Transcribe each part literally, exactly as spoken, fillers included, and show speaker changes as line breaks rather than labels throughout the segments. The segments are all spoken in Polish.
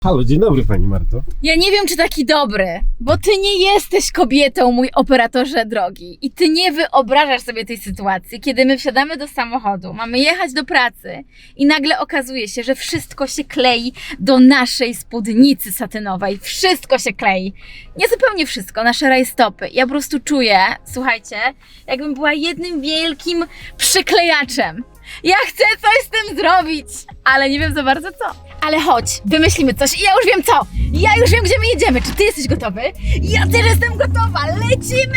Halo, dzień dobry pani Marto.
Ja nie wiem, czy taki dobry, bo ty nie jesteś kobietą, mój operatorze drogi. I ty nie wyobrażasz sobie tej sytuacji, kiedy my wsiadamy do samochodu, mamy jechać do pracy i nagle okazuje się, że wszystko się klei do naszej spódnicy satynowej. Wszystko się klei. Nie zupełnie wszystko, nasze rajstopy. Ja po prostu czuję, słuchajcie, jakbym była jednym wielkim przyklejaczem. Ja chcę coś z tym zrobić, ale nie wiem za bardzo co. Ale chodź, wymyślimy coś i ja już wiem co. Ja już wiem, gdzie my jedziemy. Czy ty jesteś gotowy? Ja też jestem gotowa. Lecimy!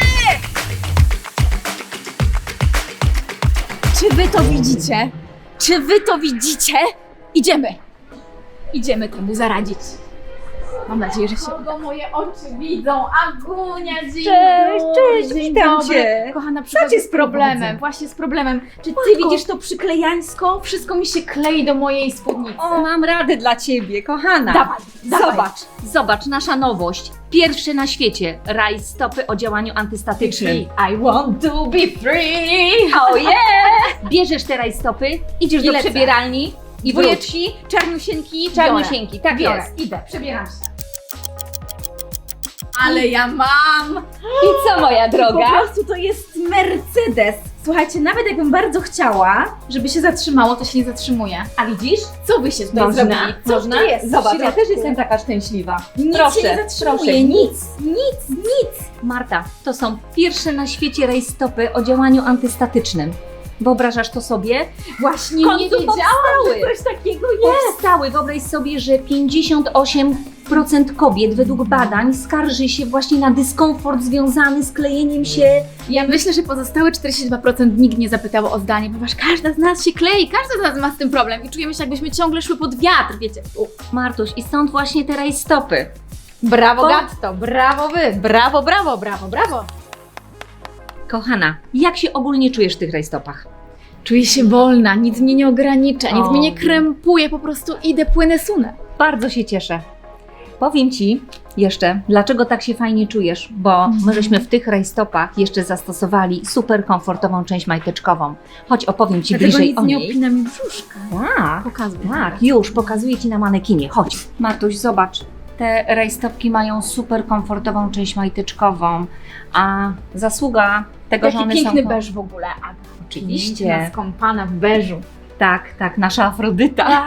Czy wy to widzicie? Czy wy to widzicie? Idziemy. Idziemy temu zaradzić. Mam nadzieję, że się uda. Moje oczy widzą. Agunia, dzień
Cześć,
dobry.
cześć,
Dzień
witam
dobry.
cię.
Kochana,
Co
przychodzę
cię
z problemem.
sprowadza?
Właśnie z problemem. Czy ty
Matko.
widzisz to przyklejańsko? Wszystko mi się klei do mojej spódnicy.
O, mam radę dla ciebie, kochana.
Dawaj, dawaj.
Zobacz, zobacz, nasza nowość. Pierwszy na świecie rajstopy o działaniu antystatycznym.
I want to be free.
Oh yeah! Bierzesz te rajstopy, idziesz
I
do
lecę.
przebieralni i
Wróć.
wujeczki, czarniusieńki, czarniusieńki, tak
Biorę,
jest.
idę, przebieram się. Ale ja mam!
I co, moja
Po
droga?
prostu to jest Mercedes. Słuchajcie, nawet jakbym bardzo chciała, żeby się zatrzymało, to się nie zatrzymuje. A widzisz? Co wy się tutaj zrobili? Co
można?
tu jest w
Zobacz, ja
środku?
też jestem taka szczęśliwa.
Nic
proszę,
się nie zatrzymuje,
proszę,
nic, nic, nic.
Marta, to są pierwsze na świecie rajstopy o działaniu antystatycznym. Wyobrażasz to sobie?
Właśnie
W
nie
końcu
wiedziałam,
powstały.
że coś takiego jest.
Powstały. Wyobraź sobie, że pięćdziesiąt osiem procent kobiet według badań skarży się właśnie na dyskomfort związany z klejeniem się.
Ja myślę, że pozostałe czterdzieści dwa procent nikt nie zapytało o zdanie, ponieważ każda z nas się klei, każda z nas ma z tym problem i czujemy się, jakbyśmy ciągle szły pod wiatr, wiecie. U.
Martuś, i stąd właśnie te rajstopy.
Brawo
Po-
Gatto, brawo wy, brawo, brawo, brawo, brawo.
Kochana, jak się ogólnie czujesz w tych rajstopach?
Czuję się wolna, nic mnie nie ogranicza, nic
O.
mnie nie krępuje, po prostu idę, płynę, sunę.
Bardzo się cieszę. Powiem Ci jeszcze, dlaczego tak się fajnie czujesz, bo
Mhm.
my żeśmy w tych rajstopach jeszcze zastosowali super komfortową część majteczkową. Chodź, opowiem Ci
Dlatego
bliżej
nic
o
nie
niej.
opina mi brzuszka.
Tak.
Pokazuj.
Tak, już, pokazuję Ci na manekinie, chodź. Martuś, zobacz, te rajstopki mają super komfortową część majteczkową, a zasługa tego, że
Taki
one
piękny
są...
beż w ogóle, Aga.
Oczywiście.
Piękna, skąpana w beżu.
Tak, tak, nasza Afrodyta.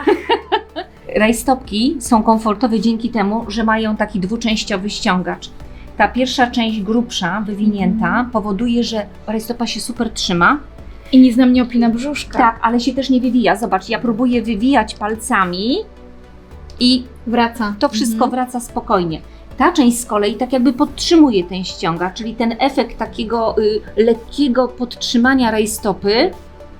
Rajstopki są komfortowe dzięki temu, że mają taki dwuczęściowy ściągacz. Ta pierwsza część grubsza, wywinięta, powoduje, że rajstopa się super trzyma.
I nic nam nie opina brzuszka.
Tak, ale się też nie wywija. Zobacz, ja próbuję wywijać palcami i
Wraca.
to wszystko
Mhm.
wraca spokojnie. Ta część z kolei tak jakby podtrzymuje ten ściągacz, czyli ten efekt takiego y, lekkiego podtrzymania rajstopy,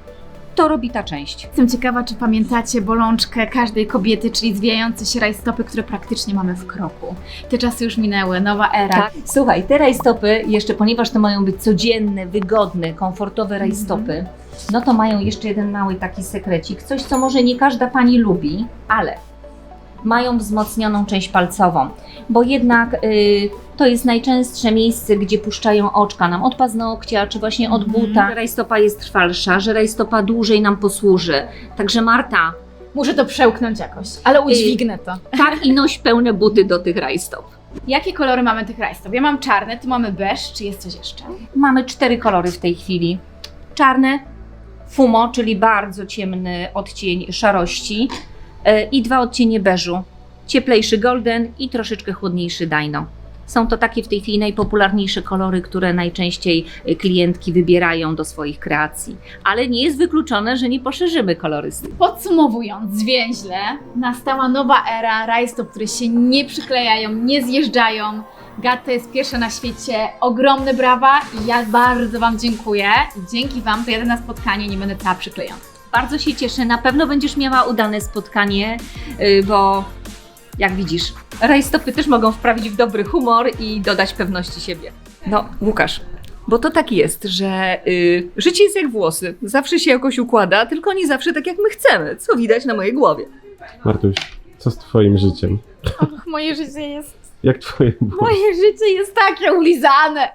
to robi ta część.
Jestem ciekawa, czy pamiętacie bolączkę każdej kobiety, czyli zwijające się rajstopy, które praktycznie mamy w kroku. Te czasy już minęły, nowa era.
Tak. Słuchaj, te rajstopy, jeszcze ponieważ to mają być codzienne, wygodne, komfortowe rajstopy, no to mają jeszcze jeden mały taki sekrecik, coś co może nie każda pani lubi, ale mają wzmocnioną część palcową, bo jednak y, to jest najczęstsze miejsce, gdzie puszczają oczka nam od paznokcia, czy właśnie od
Mhm.
buta. Że rajstopa jest trwalsza, że rajstopa dłużej nam posłuży. Także Marta,
Muszę to przełknąć jakoś, ale udźwignę to.
tak i noś pełne buty do tych rajstop.
Jakie kolory mamy tych rajstop? Ja mam czarne, tu mamy beż, czy jest coś jeszcze?
Mamy cztery kolory w tej chwili. Czarne, fumo, czyli bardzo ciemny odcień szarości yy, i dwa odcienie beżu. Cieplejszy golden i troszeczkę chłodniejszy dino. Są to takie w tej chwili najpopularniejsze kolory, które najczęściej y, klientki wybierają do swoich kreacji. Ale nie jest wykluczone, że nie poszerzymy kolorystyki.
Podsumowując, zwięźle, nastała nowa era rajstop, które się nie przyklejają, nie zjeżdżają. Gatto jest pierwsza na świecie, ogromne brawa i ja bardzo Wam dziękuję. I dzięki Wam to jadę na spotkanie, nie będę cała przyklejona.
Bardzo się cieszę, na pewno będziesz miała udane spotkanie, yy, bo jak widzisz, rajstopy też mogą wprawić w dobry humor i dodać pewności siebie. No, Łukasz, bo to tak jest, że yy, życie jest jak włosy. Zawsze się jakoś układa, tylko nie zawsze tak jak my chcemy, co widać na mojej głowie.
Martuś, co z twoim życiem?
Och, moje życie jest,
Jak twoje było?
moje życie jest takie ulizane.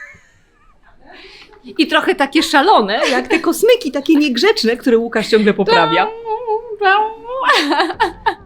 I trochę takie szalone, jak te kosmyki, takie niegrzeczne, które Łukasz ciągle poprawia.